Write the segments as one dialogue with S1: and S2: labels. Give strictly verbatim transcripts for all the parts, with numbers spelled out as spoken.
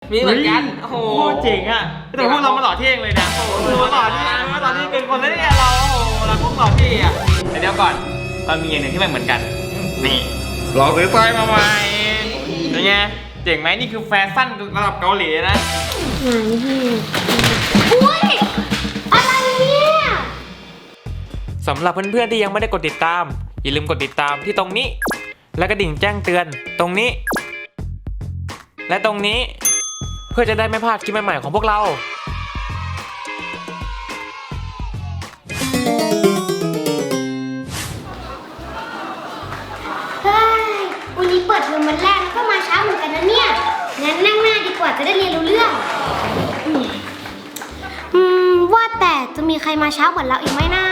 S1: มีเหมือนกันโอ้โห
S2: เจ๋งอ่ะแต่พวกเรามาหล่อเท่งเลยนะโอ้โหหล่อเท่มาหล่อเท่เป็นคนแล้วเนี่ยเราโอ้โหเราพวกหล่อเท่อะแต่เดี๋ยวก่อนเรามีอย่างหนึ่งที่ไม่เหมือนกันนี่เราซื้อสร้อยมาใหม่เป็นไงเจ๋งไหมนี่คือแฟชั่นระดับเกาหลีนะ
S3: อุ้ยอะไรเนี่ย
S2: สำหรับเพื่อนๆที่ยังไม่ได้กดติดตามอย่าลืมกดติดตามที่ตรงนี้และกระดิ่งแจ้งเตือนตรงนี้และตรงนี้เพื่อจะได้ไม่พลาดคลิปใหม่ๆของพวกเรา
S3: เฮ้ยวันนี้เปิดเทอมวันแรกแล้วก็มาช้าเหมือนกันนะเนี่ยงั้นนั่งหน้าดีกว่าจะได้เรียนรู้เรื่องอืมว่าแต่จะมีใครมาช้าเหมือนเราอีกไหมนะ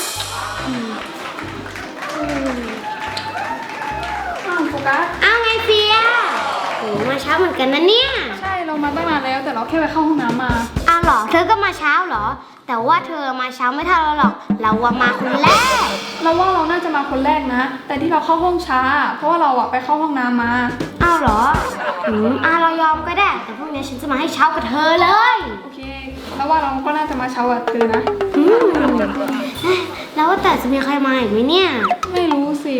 S4: อ้าวโฟกัส
S3: อ้าวไงเฟียโอ้มาช้าเหมือนกันนะเนี่ย
S4: ใช่เรามาตั้งนานแล้วแต่เราแค่ไปเข้าห้องน้ำมา
S3: อ้าวเหรอเธอก็มาเช้าเหรอแต่ว่าเธอมาเช้าไม่เท่าเราหรอกเราว่ามาคนแรก
S4: เราว่าเราน่าจะมาคนแรกนะแต่ที่เราเข้าห้องช้าเพราะว่าเราอะไปเข้าห้องน้ำมา
S3: อ้าวเหรออืมอ้าวเรายอมก็ได้แต่พรุ่งนี้ฉันจะมาให้เช้ากับเธอเลย
S4: โอเคแล้วว่าเราก็น่าจะมาเช้ากับเธอนะ
S3: อืมแล้วว่าแต่จะมีใครมาอีกไหมเนี่ย
S4: ไม่รู้สิ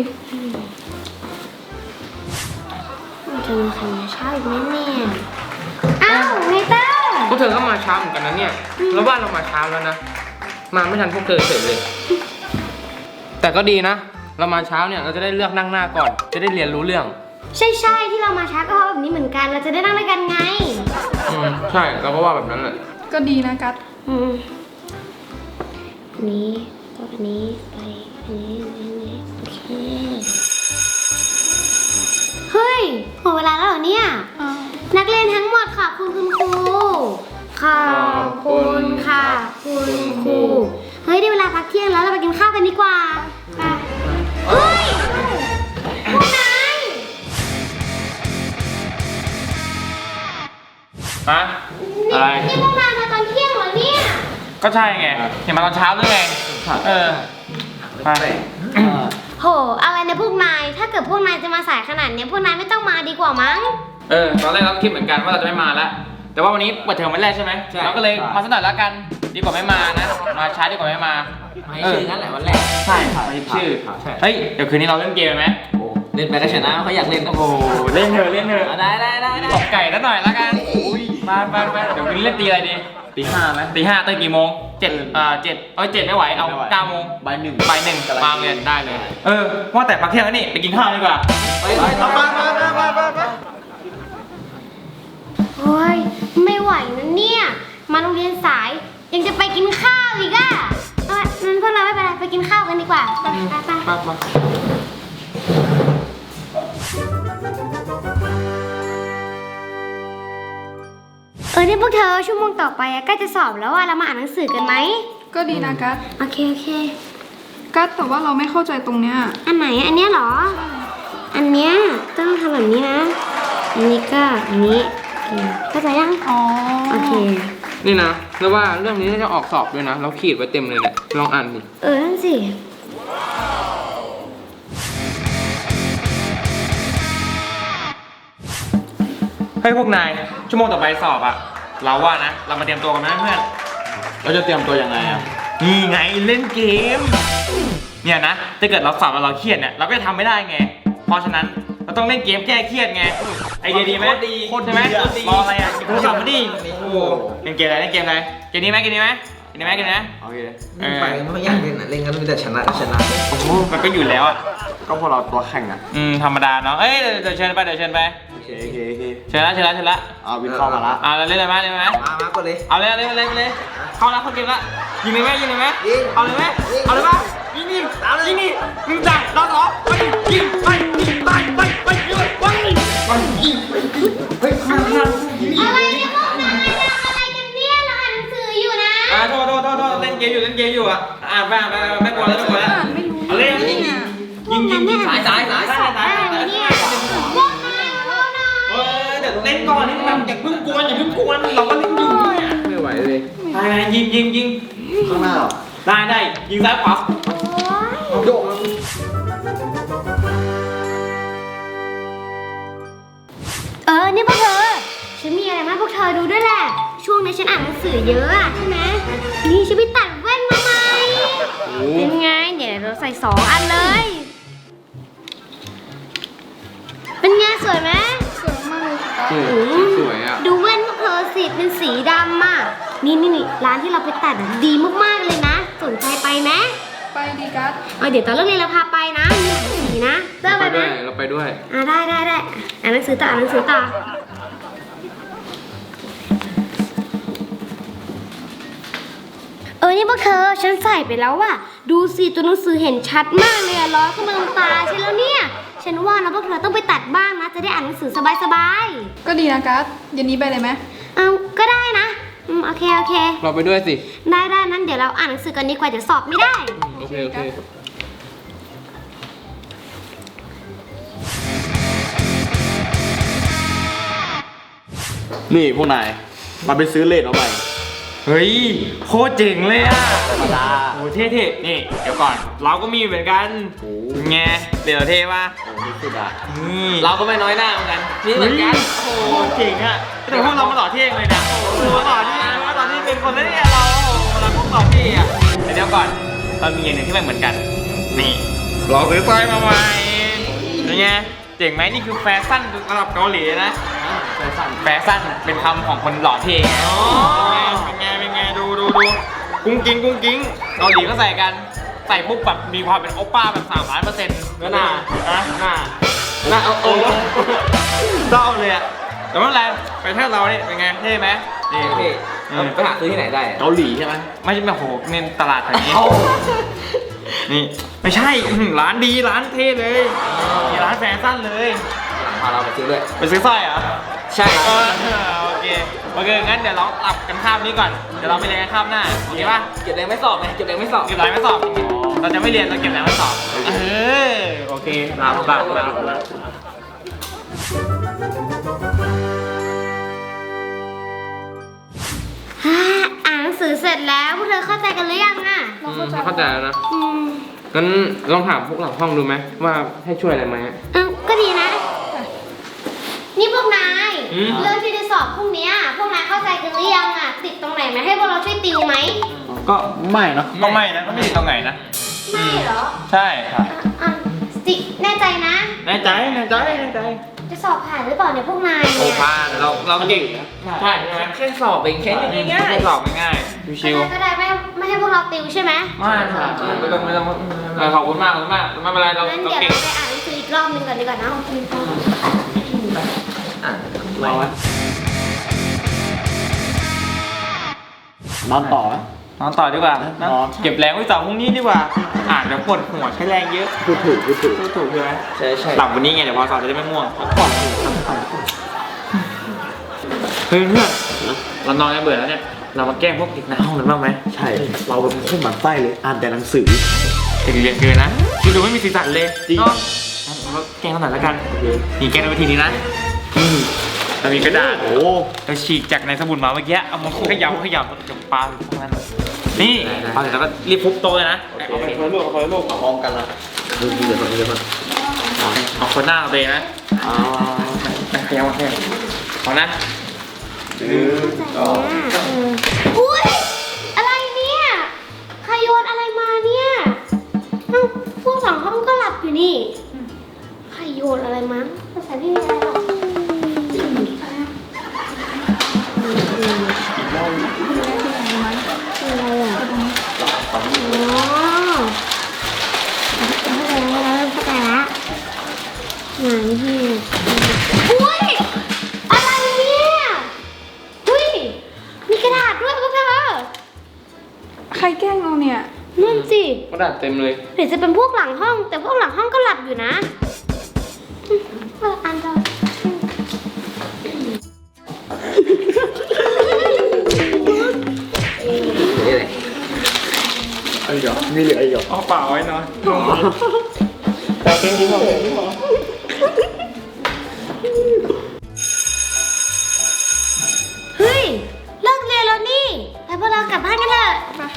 S3: จะมีใครมาเช้าอีกไหมเนี่ยอ้าวไงเต้า
S1: พวกเธอก็มาเช้าเหมือนกันนะเนี่ยแล้วบ้านเรามาเช้าแล้วนะมาไม่ทันพวกเธอเสร็จเลยแต่ก็ดีนะเรามาเช้าเนี่ยเราจะได้เลือกนั่งหน้าก่อนจะได้เรียนรู้เรื่อง
S3: ใช่ใช่ที่เรามาช้าก็เพราะแบบนี้เหมือนกันเราจะได้นั่งด้วยกันไง
S1: อืมใช่เราก็ว่าแบบนั้นแหละ
S4: ก็ดีนะกัส
S3: อืมนี้ก็อันนี้ไปอันนี้อันนี้โอเคเฮ้ยหมดเวลาแล้วเหรอเนี่ยนักเรียนทั้งหมดขอบคุณคุณครูขอบคุณค่ะคุณครูเฮ้ยได้เวลาพักเที่ยงแล้วเราไปกินข้าวกันดีกว่าไปเฮ้ยพวกนาย
S2: ฮะอะไร
S3: นี่พวกนายมาตอนเที่ยงเหรอเนี่ย
S2: ก็ใช่ไงเห็นมาตอนเช้าด้วยไงเออไป
S3: โหอะไรนะพวกนายถ้าเกิดพวกนายจะมาสายขนาดนี้พวกนายไม่ต้องมาดีกว่ามั้ง
S2: เออตอนแรกเราคิดเหมือนกันว่าเราจะไม่มาแล้วแต่ว่าวันนี้เปิดเทอมวันแรกใช่ไหมเราก็เลยมาสักหน่อยแล้วกันดีกว่าไม่มานะมาช้าดีกว่าไม่มา
S1: ไม่ชื่อนั่นแหละวันแรก
S2: ใช่ไม่ชื่อเฮ้ยเดี๋ยวคืนนี้เราเล่นเกมไหม
S1: เล่นไปก็ชนะเขาอยากเล่นก็
S2: โอ้เล่นเถอะเล่นเถอะ
S1: ได้ได้ได้
S2: ตบไก่แล้วหน่อยแล้วกันมาไปไปเดี๋ยวคืนนี้เล่นตีอะไรดี
S1: ตีห้าไหม
S2: ตีห้าตื่นกี่โมงเจ็ดอ่าเจ็ดเอ้ยเจ็ดไม่ไหวเอาเก้าโมง
S1: บ่ายหนึ่ง
S2: บ่ายหนึ่งมาเรียนได้เลยเออว่าแต่พักเที่ยงแล้วนี่ไปกินข้าวดีกว่า
S1: ไปไปไปไปไปไป
S3: โอ้ยไม่ไหวนะเนี่ยมาโรงเรียนสายยังจะไปกินข้าวอีกอ่ะเอองั้นพวกเราไม่เป็นไรไปกินข้าวกันดีกว่าไปไปไปเออนี่พวกเธอชั่วโมงต่อไปใกล้จะสอบแล้วอ่ะเรามาอ่านหนังสือกันไหม
S4: ก็ดีนะกัส
S3: โอเคโอเค
S4: กัสแต่ว่าเราไม่เข้าใจตรงเนี้ย
S3: อันไหนอันเนี้ยเหรออันเนี้ยต้องทำแบบนี้นะอันนี้ก็อันนี้เข้าใจยัง
S4: อ๋อ
S3: โอเค
S1: นี่นะแล้วว่าเรื่องนี้จะออกสอบด้วยนะเราขีดไว้เต็มเลยแหละลองอ่านดิ
S3: เออนั่นสิ
S2: ให้พวกนายชั่วโมงต่อไปสอบอะเราว่านะเรามาเตรียมตัวกันนะเพื่อน
S1: เราจะเตรียมตัวยังไงอะ
S2: นี่ไงเล่นเกมเนี่ยนะถ้าเกิดเราสอบแล้วเราเครียดเนี่ยเราก็จะทำไม่ได้ไงเพราะฉะนั้นเราต้องเล่นเกมแก้เครียดไงไอเดียดีไหม
S1: ดี
S2: โคตรใช่ไหมรออะไรอ่ะโทรศัพท์มาดิโอ้เล่นเกมอะไรเล่นเกมอะไรเกมนี้ไหมเกมนี้ไหมเกมนี้ไหมเกมนี้
S1: โอเคไปไม่อยากเล่นอ่ะเล่นกันมีแต่ชนะชนะ
S2: โอ้มันก็อยู่แล้วอ่ะ
S1: ก็พวกเราตัวแข่งอ่ะ
S2: อืมธรรมดาเนาะเอ้ยเดี๋ยวเชิญไปเดี๋ยวเชิญไป
S1: โอเคโอเคโอเค
S2: เชิญละเชิญละเชิญละ
S1: อ่าวินเข้ามาละ
S2: อ่าเล่นเลยไหมเล่นไหม
S1: มามาก็เลย
S2: เอาเลยเอาเลยเอาเลยเลยเข้าละเข้าเกมละยิงเลยไหมยิงเลยไหมเอาเลยไหมเอาเลยไหมยิงยิงยิงนี่ยิงจ่ายรอสองไปยิงไปยิงไปไปไปยิงไปไปยิงเฮ้ยข้างข้าง
S3: อะไรเนี่ยพวกนายอะไรกันเนี่ยเราอ่านหนังสืออยู่นะ
S2: อ่าโทษโทษโทษโทษเล่นเกมอยู่เล่นเกมอยู่อ่ะอ่านไปอ่านไปไม่กลัวแล้วไม่กลัวแล้วเอาเลยยิงยิงยิงยิงสายสายสายสายสาย
S3: เนี่ยพวกนายพวกนาย
S2: เออเดี๋ยวเล่นก่อนนี่แบบอย่าเพิ่งกวนอย่าเพิ่งกวนเราก็เล่นอยู่เนี่ย
S1: ไม่ไหวเลย
S2: ไปยิงยิงยิง
S1: ข้างหน้าหรอ
S2: ได้ได้ยิงซ้ายขวา
S1: โยก
S3: เออนี่พวกเธอฉฉันมีอะไรมาให้พวกเธอดูด้วยแหละ ช่วงนี้ฉันอ่านหนังสือเยอะอะใช่ไหมนี่ฉันไปตัดแว่นมาใหม่เป็นไงเดี๋ยวเราใส่สองอันเลย เป็นไงสวยไหม
S4: สวยมากเลยค่ะ
S1: โอ้สวยอ่ะ
S3: ดูแว่นพวกเธอสิเป็นสีดำอ่ะนี่นี่นี่ร้านที่เราไปตัดอะดีมากๆเลยนะ สนใจไปไหม
S4: ไปดีกัส
S3: เอาเดี๋ยวตอนเลิกเรียนเราพาไปนะมีหลายสีนะเริ่ม
S1: ไป
S3: ไป
S1: ด้
S3: ไห
S1: ว
S3: ม
S1: ยเราไปด้วย
S3: อ่าได้ได้ได้อ่านหนังสือต่ออ่านหนังสือต่อเออนี่พวกเธอฉันใส่ไปแล้วอะดูสิตัวหนังสือเห็นชัดมากเลยอะร้อยขึ้นมาตรงตาใช่แล้วเนี่ยฉันว่านะพวกเธอต้องไปตัดบ้างนะจะได้อ่านหนังสือสบาย
S4: ก็ดีนะกัสเย็นนี้ไปเลยไหม
S3: ๆเอาก็ได้นะอืมโอเคโอเค
S1: เราไปด้วยสิ
S3: ได้ได้นั้นเดี๋ยวเราอ่านหนังสือกันดีกว่าเดี๋ยวสอบไม่ได้
S1: โอเคโอเค
S2: นี่พวกนายมาไปซื้อเลดเอาใหม่เฮ้ยโคตรเจ๋งเลยอ่ะธรรมดาโอ้เท่ๆนี่เดี๋ยวก่อนเราก็มีเหมือนกันไงเดี๋ยวเท่ป่ะโอ้นี่สุดอ่ะนี่
S1: เราก็ไม่น้อยหน้าเหมือนกันนี่เหมือนกัน
S2: โอ้โหเจ๋งอ่ะแต่พวกเรามาหล่อเท่งเลยนะโอ้โหหล่อเท่มาหล่อเท่เป็นคนแล้วเนี่ยเราโอ้โหเราพวกหล่อเท่อะเดี๋ยวก่อนเรามีอย่างหนึ่งที่มันเหมือนกันนี่เราซื้อสร้อยมาใหม่เป็นไงเจ๋งไหมนี่คือแฟชั่นระดับเกาหลีนะแฟชั่นแฟชั่นเป็นคำของคนหล่อเท่ไงเป็นไงเป็นไงดูดูดูกุ้งกิ้งกุ้งกิ้งเกาหลีก็ใส่กันใส่ปุ๊บแบบมีความเป็นโอป้าแบบสามร้อยเปอร์เซ็นต์แล้วหน้านะหน้าหน้าเอาโอ้เศร้าเลยอะแต่ไม่เป็นไรไปเที่ยวเราเนี่ยเป็นไงเท่ไหมนี่
S1: พี่ไปหาซื้อที่ไหนได้
S2: เกาหลีใช่ไหมไม่ใช่แบบโหเน้นตลาดแถวนี้นี่ไม่ใช่อื้อหือร้านดีร้านเท่เลยมีร้านแฟชั่นเลย
S1: พาเราไปซื้อด้วย
S2: ไปซื้อสร้อยเหรอ
S1: ใช่
S2: เออโอเคโอเคงั้นเดี๋ยวเราตับกันข้ามนี้ก่อนเดี๋ยวเราไปเรียนกันข้ามหน้าโอเคป่ะ
S1: เก็บแรงไม่สอบไงเก็บแรงไม่สอบ
S2: เก็บอะไรไม่สอบเราจะไม่เรียนเราเก็บแล้วไม่สอบเออโอเคลาลาลาลา
S3: ฮ่าอ่านหนังสือเสร็จแล้วพวกเธอเข้าใจกันหรือยังอะ
S4: เราเข้าใจ
S1: เข้าใจแล้วนะ
S3: อืม
S1: งั้นลองถามพวกหลังห้องดูไหมว่าให้ช่วยอะไรไหม
S3: เอ้าก็ดีนะ นี่พวกนายเรื่องที่จะสอบพรุ่งเนี้ยพวกนายเข้าใจกันหรือยังอะติดตรงไหนไหมให้พวกเราช่วยติวไหม
S2: ก็ไม่นะก็ไม่นะก็ไม่ติดตรงไหนนะ
S3: ไม่เหรอ
S2: ใช่ครับ
S3: อ่ะอ่ะจิแน่ใจนะ
S2: แน่ใจแน่ใจแน่ใจ
S3: จะสอบผ่านหรือเปล่าเนี่ยพวกนาย
S1: โอ้
S3: เนี่ย
S1: พานเราเราเก่งนะ
S2: ใช่ใช่ไหม
S1: แค่สอบเองแค่นี้ง่าย
S2: แค่สอบง่ายๆชิว
S3: ก็ได้ไม่ไม่ให้พวกเราติวใช่ไหม
S2: ๆไม่ค่ะไม่ต้องไม่ต้องเออขอบคุณมากขอบคุณมากไม่เป็นไรเรา
S3: งั้น
S2: เรา
S3: เดี๋ยว
S2: เก่ง
S3: เราไปอ่านหนังสืออีกรอบหนึงก่อนดีกว่านะโอเคค่ะ
S1: อ่ะเราอะ
S5: นอนต่อไหม
S2: นอนต่อดีกว่านะ
S5: นอน
S2: เก็บแรงไว้สอบพรุ่งนี้ดีกว่า อ่านเดี๋ยวปวดหัวใช้แรงเยอะ
S5: พูดถูกพูดถูก
S2: พูดถูกใช่ไหม
S1: ใช่ใช่
S2: หลับวันนี้ไงเดี๋ยวพอสอบจะได้ไม่ม่วง
S5: ก่อน
S2: เฮ้ยเพื่อนเรานอนกันเบื่อแล้วเนี่ยเรามาแกล้งพวกเด็กในห้องกันบ้างไหม
S5: ใช่ เราเป็นคนหมั่นไส้เลย อ่านแต่หนังสือ
S2: เด็กเรียนเกินนะคือดูไม่มีสีสันเลย
S5: จริง
S2: เนาะเราแกล้งกันหน่อยแล้วกันนี่แกล้งในวิธีนี้นะนี่เรามีกระดาษ
S5: โอ้
S2: เราฉีกจากในสมุดมาเมื่อกี้เอามาขยำขยำกับปลาตรงนั้นนี่พอเสร็จแล้วก็รีบทุบโต๊ะเลยนะเอาไปคนละลูกเอาคนละลูก
S5: พร้อมกันละดูดีเลยตอนนี้เลยมัน
S2: เอาคนหน้าเอาไปนะ
S5: อ่า
S2: ขยำขยำเอานะ
S3: อุ้ยอะไรเนี่ยใครโยนอะไรมาเนี่ยเอ้าพวกสองห้องก็หลับอยู่นี่ใครโยนอะไรมาภาษาที่นี่อะไรหรอกอะไรอ่ะอ๋อเข้าใจแล้วเข้าใจแล้วไหนพี่อุ้ยอะไรเนี่ยอุ้ยมีกระดาษด้วยพวกเธอ
S4: ใครแกล้งเราเนี่ย
S3: นั่นสิ
S1: กระดาษเต็มเลย
S3: หรือจะเป็นพวกหลังห้อง แต่พวกหลังห้องก็หลับอยู่นะเอออันเรา
S1: นี่เลย
S5: ไอ้เหรอมีเหลืออีกเหรอ
S2: เอาเปล่าไว้นอนแต่เก่งที่สุด
S3: เฮ้ยเลิกเรียนแล้วนี่ไปพวกเรากลับบ้านกันเถอะ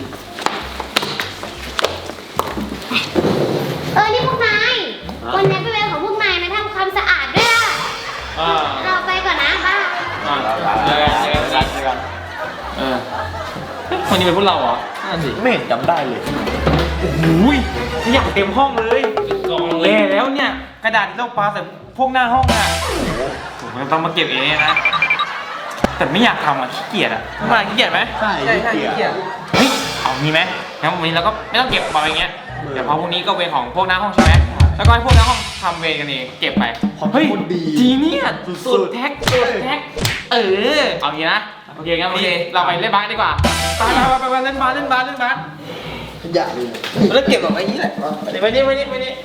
S3: เออนี่พวกนายวันนี้เป็นเวลาของพวกนายมาทำความสะอาดด้วยล่ะ
S2: อ่า
S3: เราไปก่อนนะบ้า
S2: อ่อ่ะเจอกันเจอกันเจอกันเออคนนี้เป็นพวกเราเหรอนั่นสิ
S5: ไม่เห็นจำได้เลย
S2: โอ้โหอยากเต็มห้องเลยกองเล่แล้วเนี่ยกระดาษที่เราปาใส่พวกหน้าห้องอ่ะผมต้องมาเก็บเองนะแต่ไม่อยากทำอ่ะขี้เกียจอ่ะมาขี้เกียจไหม
S5: ใช่ใช่เกียร์
S2: เฮ้ยเอางี้ไหมงั้นวันนี้เราก็ไม่ต้องเก็บไปอย่างเงี้ยเดี๋ยวพอพรุ่งนี้ก็เวรของพวกหน้าห้องใช่ไหมแล้วก็ให้พวกหน้าห้องทำเวรกันเองเก็บไปเฮ้ยจีเนี่ยสุดแท็กสุดแท็กเออเอางี้นะโอเคงั้นวันนี้เราไปเล่นบาสดีกว่าไปไปไปเล่นบาสเล่นบาสเล่นบาส
S5: ขยะเลย
S2: แล้วเก็บแบบไอ้นี้แหละไปนี่ไปนี่ไปนี่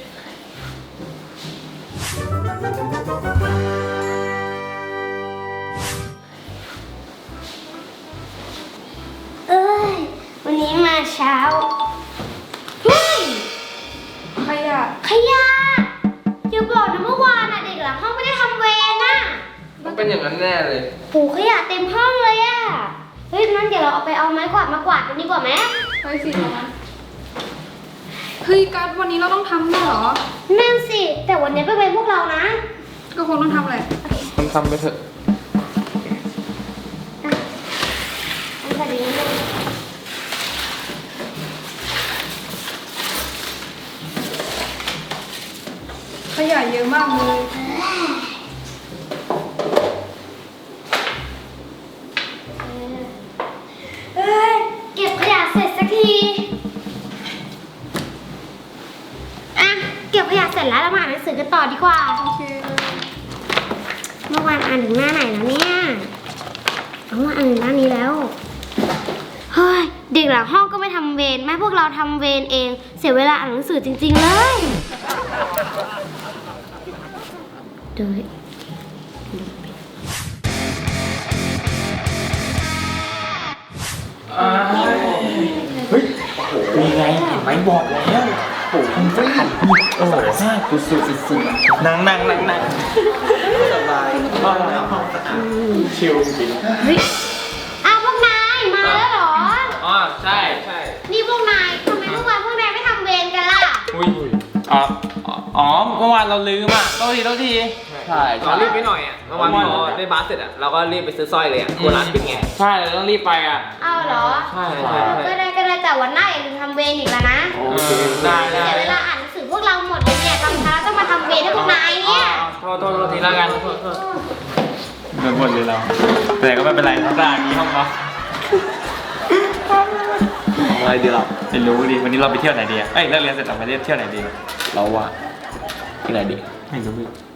S3: เอ้ยวันนี้มาเช้าเฮ้ย
S4: ใครอะ
S3: ขยะอย่าบอกนะเมื่อวานอ่ะเด็กหลังห้องไม่ได้ทำเวรน่ะ
S1: มันเป็นอย่างนั้นแน่เลย
S3: โหขยะเต็มห้องเลยอ่ะเฮ้ยนั้นเดี๋ยวเราเอาไปเอาไม้กวาดมากวาดกันดีกว่าไหม
S4: ไปสิเอามาเฮ้ยกัสวันนี้เราต้องทำด้วยเหรอ
S3: นั่นสิแต่วันนี้เป็นเวรพวกเรานะ
S4: ก็คงต้องทำแหละ
S1: ทำทำไปเถอะ
S3: อันใส่ดีนิดนึง
S4: ขยะเยอะมากเลย
S3: เอ้ยเก็บขยะเสร็จสักทีอ่ะเก็บขยะเสร็จแล้วเรามาอ่านหนังสือกันต่อดีกว่า
S4: โอเคเลย
S3: เมื่อวานอ่านถึงหน้าไหนแล้วเนี่ยเอามาอ่านถึงหน้านี้แล้ว เฮ้ย เด็กหลังห้องก็ไม่ทำเวรแม่พวกเราทำเวรเอง เสียเวลาอ่านหนังสือจริง ๆ เลยเดี๋ยว
S2: มีไงเห็นไหมบอกแล้วโอ้โหโอ้โหซ่าสุดสุดสุดนั่งนั่งนั่งนั่งสบายชิลจริง
S3: เฮ้ยอ้าวพวกนายมาแล้วเหรอ
S2: อ๋อใช่ใช่
S3: นี่พวกนายทำไมเมื่อวานพวกนายไม่ทำเวรกันล่ะ
S2: อุ้ยอ๋ออ๋อเมื่อวานเราลืมอ่ะโทษทีโทษที
S5: ใช่
S1: เรารีบไปหน่อยอ่ะเมื่อวานพอได้บาสเสร็จอ่ะเราก็รีบไปซื้อสร้อยเลยอ่ะโคร้านปิดไง
S2: ใช่เราต้องรีบไปอ่ะ
S3: เอาเหรอ
S1: ใช่ใช่
S3: ก็ได้ก็ได้แต่วันหน้าอย่าลืมทำเวรอีกแล้วนะ
S5: โอเค
S2: ได้ได้
S3: เสียเวลาอ่านหนังสือพวกเราหมดเลยเนี่ยตอนเช้าต้องมาทำเวรให้พวกนายเนี่ย
S2: โทษโทษโทษทีแล้วกันโดนบ่นเลยเราแต่ก็ไม่เป็นไรเพราะตาอย่างนี้ห้องเรา
S5: อะไรดีเรา
S2: ไม่รู้ดิวันนี้เราไปเที่ยวไหนดีอ่ะเอ้ยเลิกเรียนเสร็จเราไปเที่ยวไหนดี
S5: เราอะที่ไหนดี
S2: ไม่รู้